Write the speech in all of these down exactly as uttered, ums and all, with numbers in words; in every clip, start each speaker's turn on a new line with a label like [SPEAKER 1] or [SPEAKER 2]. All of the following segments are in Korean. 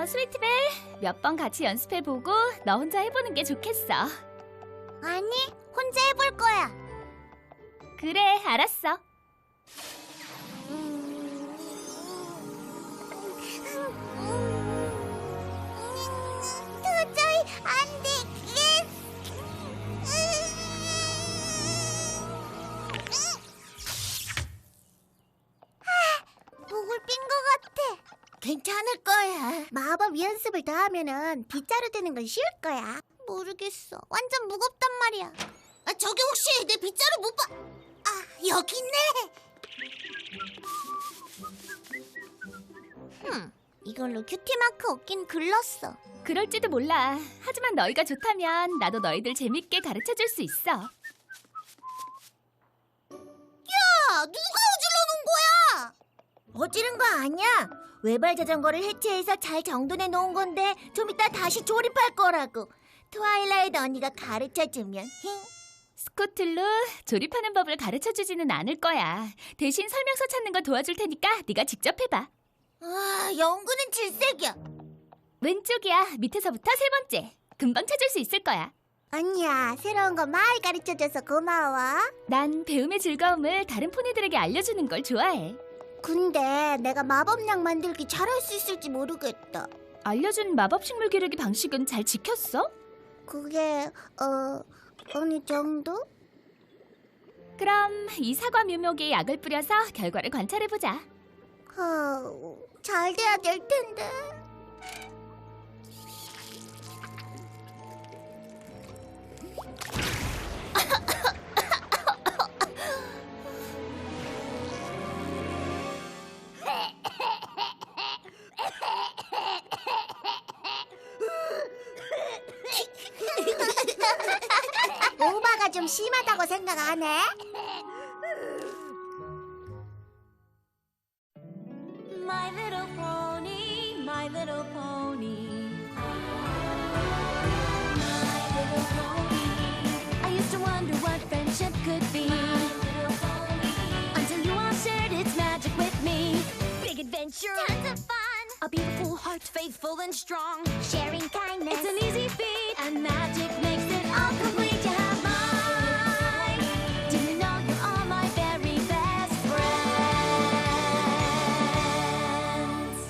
[SPEAKER 1] 어, 스위트벨, 몇 번 같이 연습해보고 너 혼자 해보는 게 좋겠어.
[SPEAKER 2] 아니, 혼자 해볼 거야.
[SPEAKER 1] 그래, 알았어.
[SPEAKER 2] 도저히 안 되겠어. 목을 삔 것 같아. 괜찮을 거야. 마법 연습을 더 하면은 빗자루 되는 건 쉬울 거야. 모르겠어. 완전 무겁단 말이야. 아, 저기 혹시 내 빗자루 못 봐? 아, 여기 있네. 흠, 이걸로 큐티 마크 얻긴 글렀어.
[SPEAKER 1] 그럴지도 몰라. 하지만 너희가 좋다면 나도 너희들 재밌게 가르쳐줄 수 있어.
[SPEAKER 2] 야, 누가 어질러 놓은 거야? 어지른 거 아니야. 외발 자전거를 해체해서 잘 정돈해 놓은 건데 좀 이따 다시 조립할 거라고. 트와일라이트 언니가 가르쳐주면.
[SPEAKER 1] 스코틀루, 조립하는 법을 가르쳐주지는 않을 거야. 대신 설명서 찾는 거 도와줄 테니까 네가 직접 해봐.
[SPEAKER 2] 아, 연구는 질색이야.
[SPEAKER 1] 왼쪽이야. 밑에서부터 세 번째. 금방 찾을 수 있을 거야.
[SPEAKER 2] 언니야, 새로운 거 많이 가르쳐줘서 고마워.
[SPEAKER 1] 난 배움의 즐거움을 다른 포니들에게 알려주는 걸 좋아해.
[SPEAKER 2] 근데 내가 마법약 만들기 잘할 수 있을지 모르겠다.
[SPEAKER 1] 알려준 마법 식물 기르기 방식은 잘 지켰어?
[SPEAKER 2] 그게 어 어느 정도?
[SPEAKER 1] 그럼 이 사과 묘목에 약을 뿌려서 결과를 관찰해보자.
[SPEAKER 2] 어, 잘 돼야 될 텐데. 오바가 좀 심하다고 생각 안 해?
[SPEAKER 3] My little pony, my little pony. My little pony. I used to wonder what friendship could be. My little pony. Until you all shared its magic with me. Big adventure.
[SPEAKER 2] Tons of fun.
[SPEAKER 3] A beautiful heart, faithful and strong.
[SPEAKER 2] Sharing kindness.
[SPEAKER 3] It's an easy feat, and magic makes it all complete. You have mine. Do you know you're all my very best friends?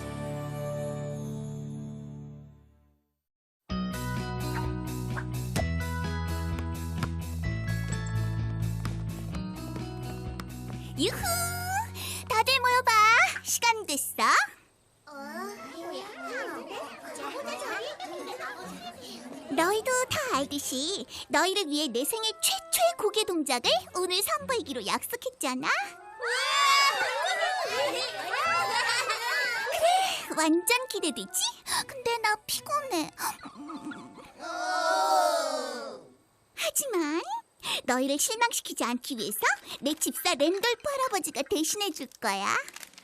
[SPEAKER 2] 유후! 다들 모여봐. 시간 됐어. 너희도 다 알듯이 너희를 위해 내 생애 최초의 고개 동작을 오늘 선보이기로 약속했잖아. 그래, 완전 기대되지? 근데 나 피곤해. 하지만 너희를 실망시키지 않기 위해서 내 집사 랜돌프 할아버지가 대신해 줄 거야.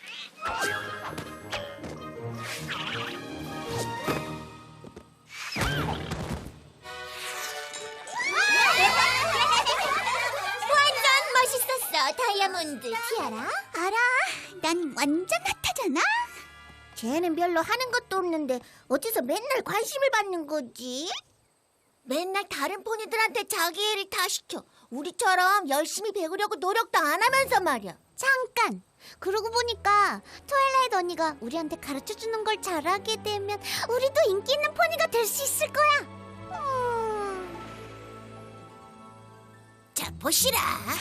[SPEAKER 2] 완전 멋있었어, 다이아몬드 티아라. 알아, 난 완전 핫하잖아. 쟤는 별로 하는 것도 없는데 어디서 맨날 관심을 받는 거지? 맨날 다른 포니들한테 자기 일을 다 시켜. 우리처럼 열심히 배우려고 노력도 안 하면서 말이야. 잠깐! 그러고 보니까 트와일라이트 언니가 우리한테 가르쳐주는 걸 잘하게 되면 우리도 인기 있는 포니가 될 수 있을 거야. 음... 자, 보시라.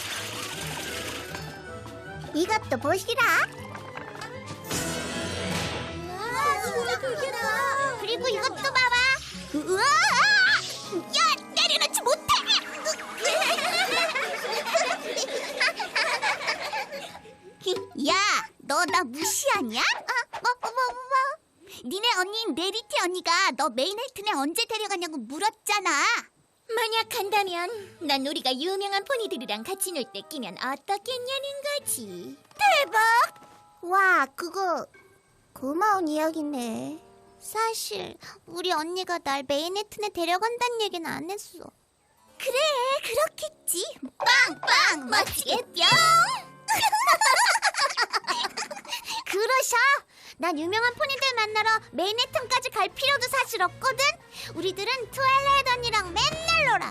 [SPEAKER 2] 이것도 보시라. 우와, 진짜 되게다. 그리고 이것도 봐봐. 우와! 야, 내려놓지 못해! 야, 너 나 무시하냐? 아, 뭐, 뭐, 뭐, 뭐? 니네 언니인 메리티 언니가 너 메인헬튼에 언제 데려가냐고 물었잖아. 만약 간다면 난 우리가 유명한 포니들이랑 같이 놀 때 끼면 어떻겠냐는 거지. 대박! 와, 그거 고마운 이야기네. 사실 우리 언니가 날 메인헬튼에 데려간다는 얘기는 안 했어. 그래, 그렇겠지. 빵빵 멋지게 뿅. 그러셔. 난 유명한 포니들 만나러 맨해튼까지 갈 필요도 사실 없거든. 우리들은 트와일라이트 언니랑 맨날 놀아.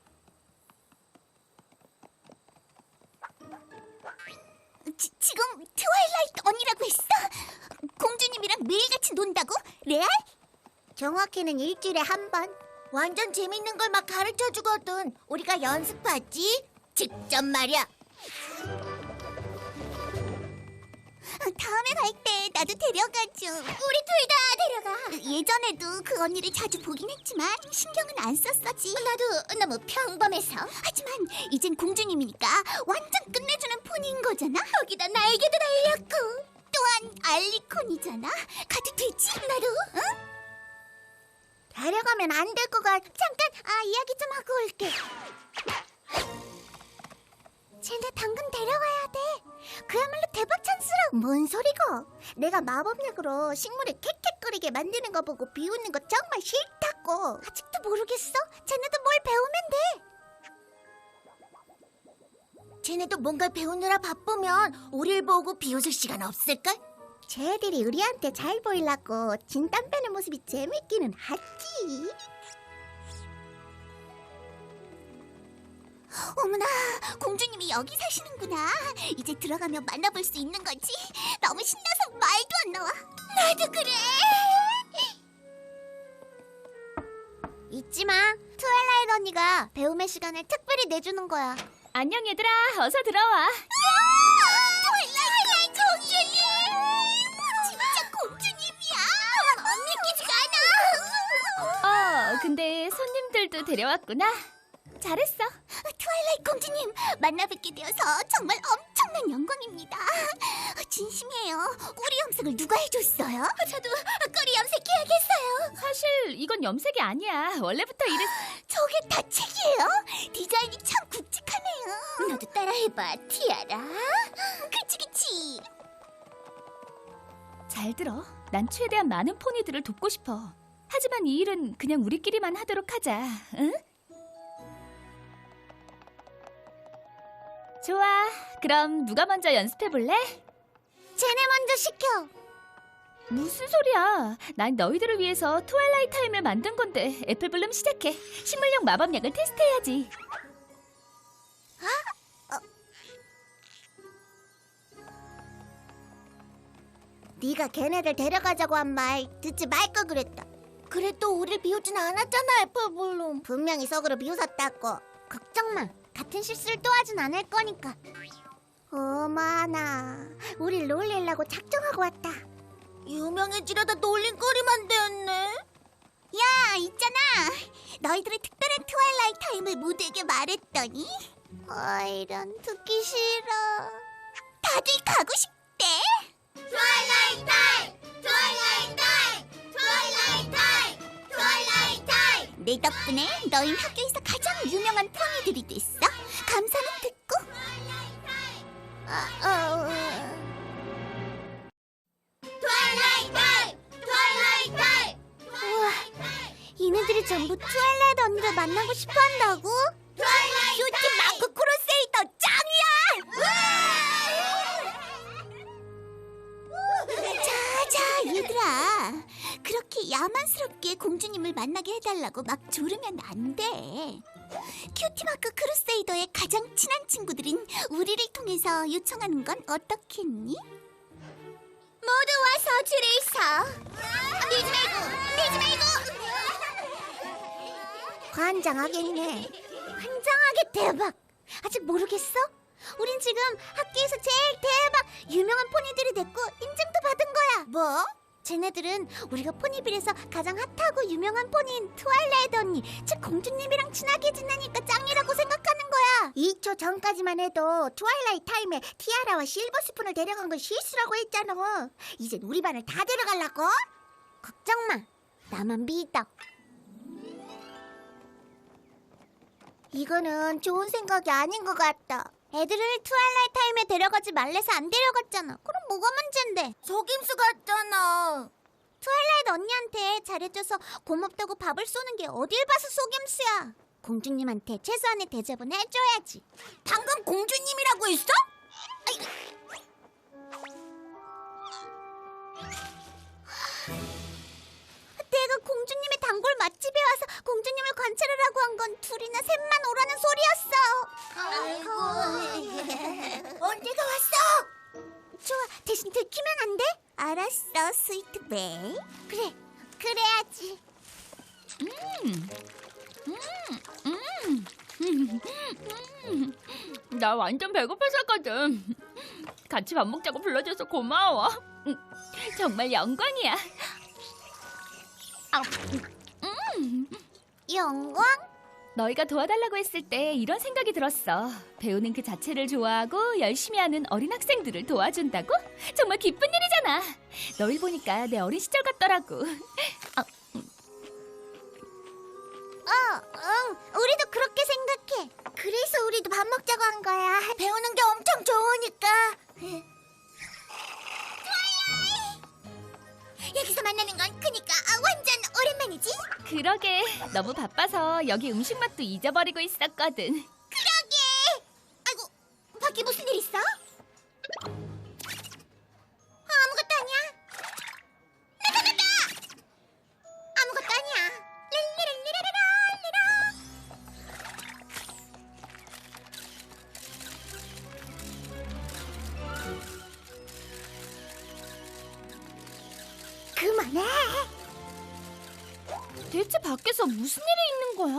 [SPEAKER 2] 지, 지금 트와일라이트 언니라고 했어? 공주님이랑 매일같이 논다고? 레알? 정확히는 일주일에 한 번. 완전 재밌는 걸 막 가르쳐주거든. 우리가 연습하지? 직접 말이야. 다음에 갈 때 나도 데려가줘. 우리 둘 다 데려가. 예전에도 그 언니를 자주 보긴 했지만 신경은 안 썼었지. 나도 너무 평범해서. 하지만 이젠 공주님이니까 완전 끝내주는 포니인 거잖아. 거기다 날개도 달렸고 또한 알리콘이잖아. 가도 되지? 나도? 응? 데려가면 안 될 것 같아. 잠깐, 아 이야기 좀 하고 올게. 쟤네 당근 데려가야 돼. 그야말로 대박 찬스라고. 뭔 소리고? 내가 마법약으로 식물을 캑캑거리게 만드는 거 보고 비웃는 거 정말 싫다고. 아직도 모르겠어? 쟤네도 뭘 배우면 돼. 쟤네도 뭔가 배우느라 바쁘면 우릴 보고 비웃을 시간 없을걸? 쟤들이 우리한테 잘 보이려고 진땀 빼는 모습이 재밌기는 하지. 어머나, 공주님이 여기 사시는구나. 이제 들어가면 만나볼 수 있는 거지. 너무 신나서 말도 안 나와. 나도 그래. 잊지 마. 트와일라이트 언니가 배움의 시간을 특별히 내주는 거야.
[SPEAKER 1] 안녕 얘들아, 어서 들어와.
[SPEAKER 2] 트와일라이트 공주님! 진짜 공주님이야. 언니 끼지가 않아.
[SPEAKER 1] 어, 근데 손님들도 데려왔구나. 잘했어.
[SPEAKER 2] 트와일라이트 공주님, 만나뵙게 되어서 정말 엄청난 영광입니다. 진심이에요. 꼬리 염색을 누가 해줬어요? 저도 꼬리 염색해야겠어요.
[SPEAKER 1] 사실 이건 염색이 아니야. 원래부터 이랬...
[SPEAKER 2] 저게 다 책이에요? 디자인이 참 굵직하네요. 너도 따라해봐, 티아라. 그치 그치.
[SPEAKER 1] 잘 들어. 난 최대한 많은 포니들을 돕고 싶어. 하지만 이 일은 그냥 우리끼리만 하도록 하자. 응? 좋아. 그럼 누가 먼저 연습해 볼래?
[SPEAKER 2] 쟤네 먼저 시켜.
[SPEAKER 1] 무슨 소리야. 난 너희들을 위해서 트와일라이트 타임을 만든 건데. 애플블룸 시작해. 식물용 마법약을 테스트해야지.
[SPEAKER 2] 네가 걔네들 데려가자고 한 말 듣지 말 걸 그랬다. 그래도 우릴 비우진 않았잖아, 애플블룸. 분명히 속으로 비웃었다고. 걱정 마. 같은 실수를 또 하진 않을 거니까. 어머나, 우릴 놀리려고 작정하고 왔다. 유명해지려다 놀림거리만 되었네. 야, 있잖아. 너희들의 특별한 트와일라이트 타임을 모두에게 말했더니 아, 이런 듣기 싫어. 다들 가고 싶대. 트와일라이트 타임! 트와일라이트 타임! 트와일라이트 타임! 트와일라이트 타임! 내 덕분에 너희 학교에서 가장 유명한 포니들이 됐어. 감사는 듣고. 아, 어... 트와일라이트 타임! 트와일라이트 타임! 우와, 얘네들이 전부 트와일라이트 언니를 만나고 싶어 한다고? 큐티 마크 크루세이더 짱이야! 자자 얘들아, 그렇게 야만스럽게 공주님을 만나게 해달라고 막 조르면 안 돼. 큐티마크 크루세이더의 가장 친한 친구들인 우리를 통해서 요청하는 건 어떻겠니? 모두 와서 줄을 서. 밀지 말고, 밀지 말고. 환장하겠네. 환장하게 대박. 아직 모르겠어? 우린 지금 학교에서 제일 대박 유명한 포니들이 됐고 인증도 받은 거야. 뭐? 쟤네들은 우리가 포니빌에서 가장 핫하고 유명한 포니인 트와일라이트 언니, 즉 공주님이랑 친하게 지내니까 짱이라고 생각하는 거야. 이 초 전까지만 해도 트와일라이트 타임에 티아라와 실버 스푼을 데려간 건 실수라고 했잖아. 이젠 우리 반을 다 데려가려고? 걱정 마. 나만 믿어. 이거는 좋은 생각이 아닌 것 같다. 애들을 트와일라이트 타임에 데려가지 말래서 안 데려갔잖아. 그럼 뭐가 문제인데? 속임수 같잖아. 트와일라이트 언니한테 잘해줘서 고맙다고 밥을 쏘는 게 어딜 봐서 속임수야. 공주님한테 최소한의 대접은 해줘야지. 방금 공주님이라고 했어? 아이. 언제가 왔어? 좋아, 대신 들키면 안 돼? 알았어, 스위트베이. 그래, 그래야지.
[SPEAKER 1] 나 완전 배고팠었거든. 같이 밥 먹자고 불러줘서 고마워. 음, 정말 영광이야. 아,
[SPEAKER 2] 영광?
[SPEAKER 1] 너희가 도와달라고 했을 때 이런 생각이 들었어. 배우는 그 자체를 좋아하고 열심히 하는 어린 학생들을 도와준다고? 정말 기쁜 일이잖아. 너희 보니까 내 어린 시절 같더라고. 어,
[SPEAKER 2] 어, 응, 우리도 그렇게 생각해. 그래서 우리도 밥 먹자고 한 거야. 배우는 게 엄청 좋으니까. 여기서 만나는 건 그니까 완전 오랜만이지?
[SPEAKER 1] 그러게. 너무 바빠서 여기 음식 맛도 잊어버리고 있었거든.
[SPEAKER 2] 그러게. 아이고, 밖에 무슨 일 있어? 아무것도 아니야. 나나나나! 아무것도 아니야. 릴리리리리리리라. 그만해.
[SPEAKER 1] 대체 밖에서 무슨 일이 있는 거야?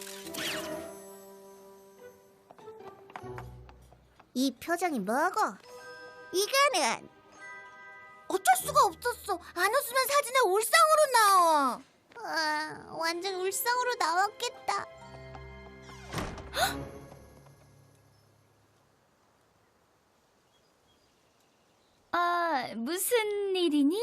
[SPEAKER 2] 이 표정이 뭐고? 이거는 어쩔 수가 없었어. 안 웃으면 사진에 울상으로 나와. 아, 완전 울상으로 나왔겠다.
[SPEAKER 1] 아, 무슨 일이니?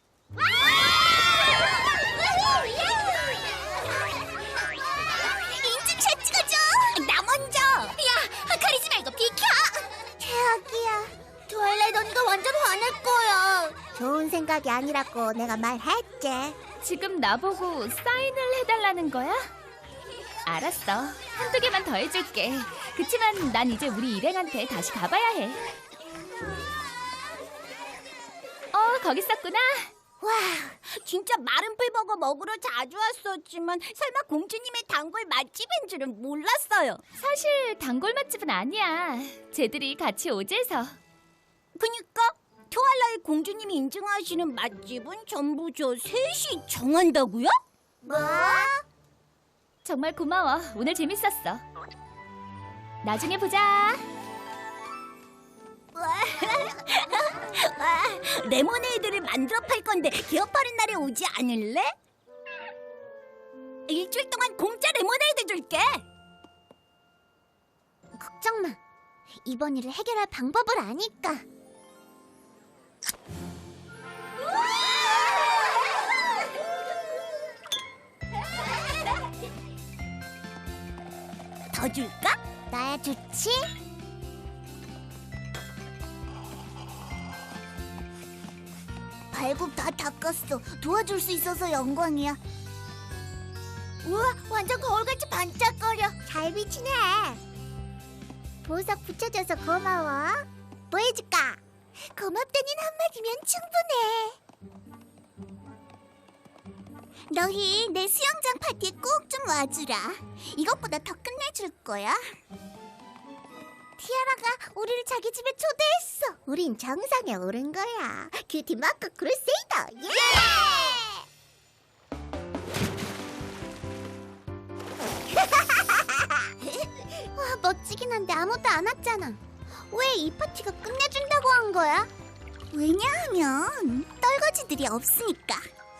[SPEAKER 2] 인증샷 찍어줘. 나 먼저. 야, 가리지 말고 비켜. 최악이야. 트와일라이트 언니가 완전 화낼 거야. 좋은 생각이 아니라고 내가 말했지.
[SPEAKER 1] 지금 나보고 사인을 해달라는 거야? 알았어. 한두 개만 더 해줄게. 그치만 난 이제 우리 일행한테 다시 가봐야 해. 어, 거기 있었구나.
[SPEAKER 2] 와, 진짜 마른 풀버거 먹으러 자주 왔었지만 설마 공주님의 단골 맛집인 줄은 몰랐어요.
[SPEAKER 1] 사실 단골 맛집은 아니야. 쟤들이 같이 오재서.
[SPEAKER 2] 그니까 트와일라이트 공주님이 인증하시는 맛집은 전부 저 셋이 정한다고요? 뭐?
[SPEAKER 1] 정말 고마워. 오늘 재밌었어. 나중에 보자.
[SPEAKER 2] 레모네이드를 만들어 팔 건데 기업하는 날에 오지 않을래? 일주일 동안 공짜 레모네이드 줄게. 걱정 마. 이번 일을 해결할 방법을 아니까. 더 줄까? 나야 좋지? 발굽 다 닦았어. 도와줄 수 있어서 영광이야. 우와, 완전 거울같이 반짝거려. 잘 비치네. 보석 붙여줘서 고마워. 뭐 해줄까? 고맙다는 한마디면 충분해. 너희 내 수영장 파티에 꼭 좀 와주라. 이것보다 더 끝내줄 거야. 티아라가 우리를 자기 집에 초대했어. 우린 정상에 오른 거야. 큐티 마크 크루세이더. 예! 와, 멋지긴 한데 아무도 안 왔잖아. 왜 이 파티가 끝내준다고 한 거야? 왜냐하면 떨거지들이 없으니까.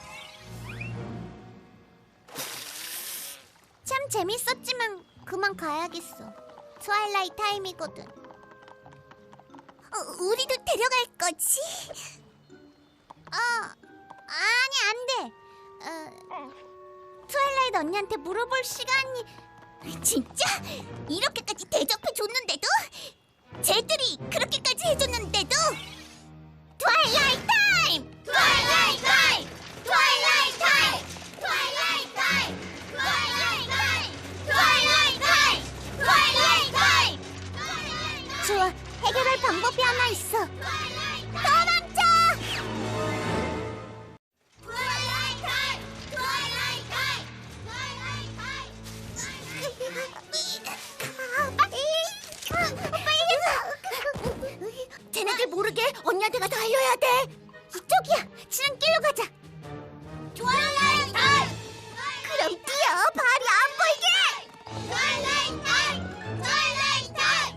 [SPEAKER 2] 참 재밌었지만 그만 가야겠어. 트와일라이트 타임이거든. 어, 우리도 데려갈 거지? 어, 아니 안 돼. 어, 트와일라이트 언니한테 물어볼 시간이. 진짜? 이렇게까지 대접해 줬는데도? 쟤들이 그렇게까지 해줬는데도? 트와일라이트 타임! 트와일라이트 타임! 트와일라이트 타임! 트와일라이트 타임! 트와일라이트 타임! 트와일라이트 타임! 트와일라이트 타임! 좋아, 해결할 방법이 하나 있어. 도망쳐! 트와일라이트 타임! 트와일라이트 타임! 트와일라이트 타임! 빨리 해서! 쟤네들 모르게 언니한테 가서 알려야 돼. 이쪽이야. 지름길로 가자. 트와일라이트 타임! 그럼 뛰어. 발이 안 보이게. 트와일라이트 타임! 트와일라이트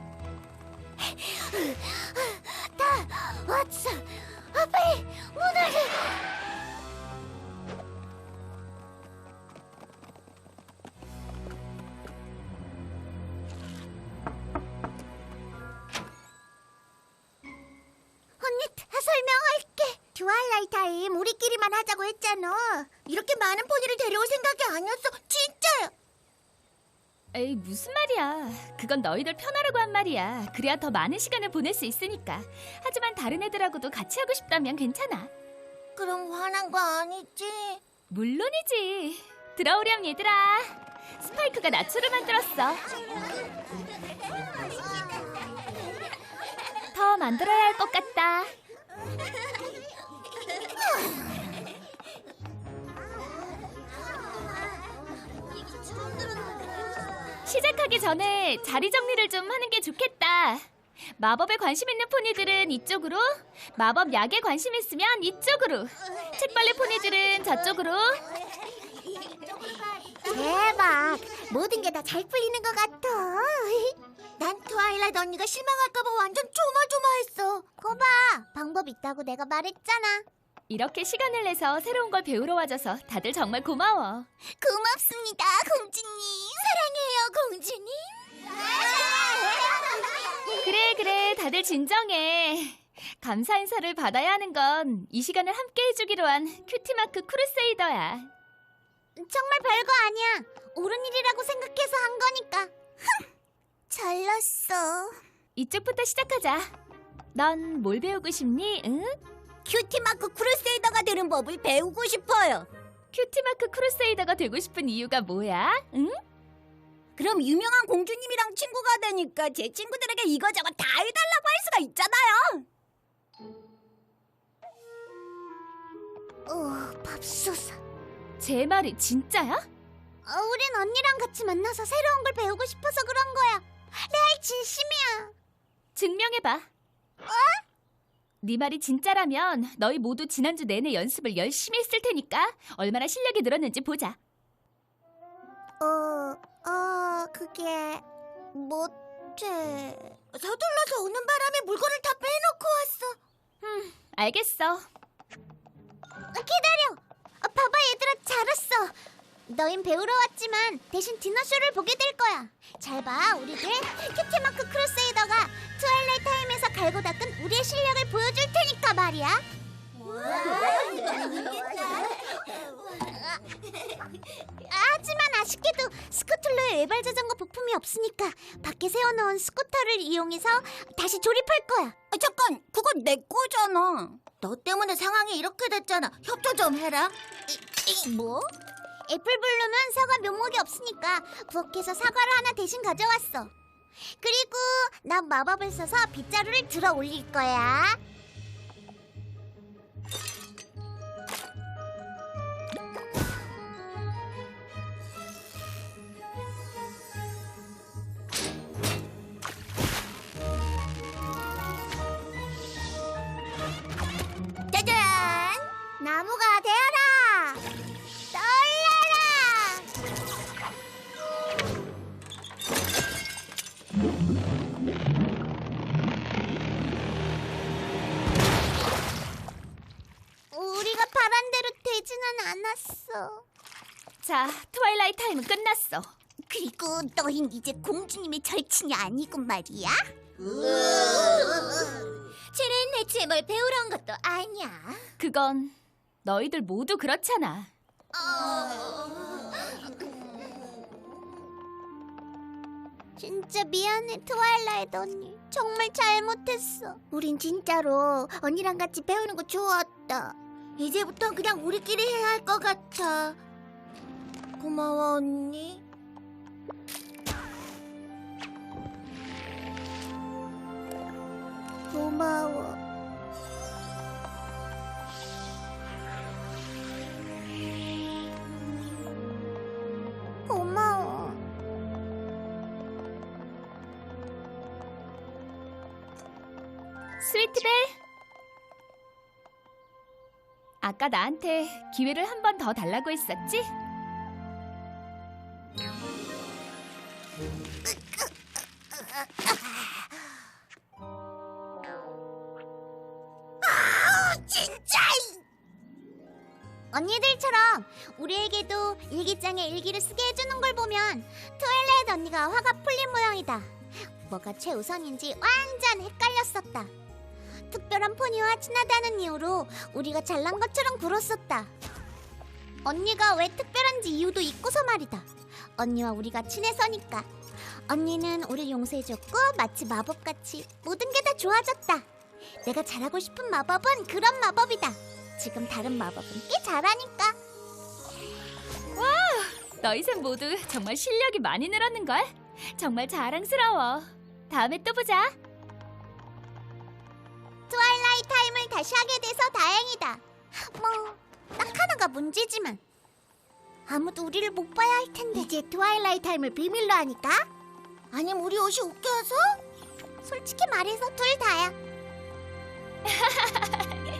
[SPEAKER 2] 타임! 다 왔어. 아, 빨리 문을. 언니, 다 설명할게. 트와일라이트 타임 우리끼리만 하자고 했잖아. 이렇게 많은 포니를 데려올 생각이 아니었어. 진짜야.
[SPEAKER 1] 에이, 무슨 말이야. 그건 너희들 편하라고 한 말이야. 그래야 더 많은 시간을 보낼 수 있으니까. 하지만 다른 애들하고도 같이 하고 싶다면 괜찮아.
[SPEAKER 2] 그럼 화난 거 아니지?
[SPEAKER 1] 물론이지. 들어오렴 얘들아. 스파이크가 나초를 만들었어. 더 만들어야 할 것 같다. 시작하기 전에 자리 정리를 좀 하는 게 좋겠다. 마법에 관심 있는 포니들은 이쪽으로, 마법 약에 관심 있으면 이쪽으로, 책벌레 포니들은 저쪽으로.
[SPEAKER 2] 대박. 모든 게 다 잘 풀리는 것 같아. 난 트와일라이트 언니가 실망할까봐 완전 조마조마했어. 거봐, 방법 있다고 내가 말했잖아.
[SPEAKER 1] 이렇게 시간을 내서 새로운 걸 배우러 와줘서 다들 정말 고마워.
[SPEAKER 2] 고맙습니다, 공주님. 사랑해요, 공주님.
[SPEAKER 1] 그래 그래 다들 진정해. 감사 인사를 받아야 하는 건 이 시간을 함께 해주기로 한 큐티마크 크루세이더야.
[SPEAKER 2] 정말 별거 아니야. 옳은 일이라고 생각해서 한 거니까. 흥, 잘났어.
[SPEAKER 1] 이쪽부터 시작하자. 넌 뭘 배우고 싶니? 응?
[SPEAKER 2] 큐티마크 크루세이더가 되는 법을 배우고 싶어요.
[SPEAKER 1] 큐티마크 크루세이더가 되고 싶은 이유가 뭐야? 응?
[SPEAKER 2] 그럼 유명한 공주님이랑 친구가 되니까 제 친구들에게 이거저거 다 해달라고 할 수가 있잖아요. 어, 밥솥.
[SPEAKER 1] 제 말이 진짜야?
[SPEAKER 2] 어, 우린 언니랑 같이 만나서 새로운 걸 배우고 싶어서 그런 거야. 레알 진심이야.
[SPEAKER 1] 증명해봐. 어? 네 말이 진짜라면 너희 모두 지난주 내내 연습을 열심히 했을 테니까 얼마나 실력이 늘었는지 보자.
[SPEAKER 2] 어, 어, 그게 못해. 서둘러서 오는 바람에 물건을 다 빼놓고 왔어.
[SPEAKER 1] 음, 알겠어.
[SPEAKER 2] 기다려. 어, 봐봐 얘들아, 잘 왔어. 너흰 배우러 왔지만 대신 디너쇼를 보게 될 거야. 잘 봐, 우리들 큐티마크 크루세이더가 트와일라이트 타임에서 갈고 닦은 우리의 실력을 보여줄 테니까 말이야. 하지만 아쉽게도 스쿠틀로의 외발 자전거 부품이 없으니까 밖에 세워놓은 스쿠터를 이용해서 다시 조립할 거야. 아, 잠깐, 그건 내 거잖아. 너 때문에 상황이 이렇게 됐잖아. 협조 좀 해라. 이, 이, 뭐? 애플블루는 사과 묘목이 없으니까 부엌에서 사과를 하나 대신 가져왔어. 그리고 난 마법을 써서 빗자루를 들어 올릴 거야. 짜잔! 나무가 되어라! 떨려라! 우리가 바란 대로 되지는 않았어.
[SPEAKER 1] 자, 트와일라이트 타임은 끝났어.
[SPEAKER 2] 그리고 너흰 이제 공주님의 절친이 아니군 말이야? 쟤는 대체 뭘 배우러 온 것도 아니야.
[SPEAKER 1] 그건 너희들 모두 그렇잖아.
[SPEAKER 2] 진짜 미안해, 트와일라이트 언니. 정말 잘못했어. 우린 진짜로 언니랑 같이 배우는 거 좋았다. 이제부터 그냥 우리끼리 해야 할 것 같아. 고마워, 언니. 고마워. 고마워.
[SPEAKER 1] 스위트벨. 아까 나한테 기회를 한 번 더 달라고 했었지?
[SPEAKER 2] 진짜! 언니들처럼 우리에게도 일기장에 일기를 쓰게 해주는 걸 보면 트와일라이트 언니가 화가 풀린 모양이다. 뭐가 최우선인지 완전 헷갈렸었다. 특별한 포니와 친하다는 이유로 우리가 잘난 것처럼 굴었었다. 언니가 왜 특별한지 이유도 잊고서 말이다. 언니와 우리가 친해서니까. 언니는 우릴 용서해줬고 마치 마법같이 모든 게 다 좋아졌다. 내가 잘하고 싶은 마법은 그런 마법이다. 지금 다른 마법은 꽤 잘하니까.
[SPEAKER 1] 너희 셋 모두 정말 실력이 많이 늘었는걸? 정말 자랑스러워. 다음에 또 보자.
[SPEAKER 2] 트와일라이트 타임을 다시 하게 돼서 다행이다. 뭐, 딱 하나가 문제지만. 아무도 우리를 못 봐야 할 텐데. 이제 트와일라이트 타임을 비밀로 하니까? 아니면 우리 옷이 웃겨서? 솔직히 말해서 둘 다야.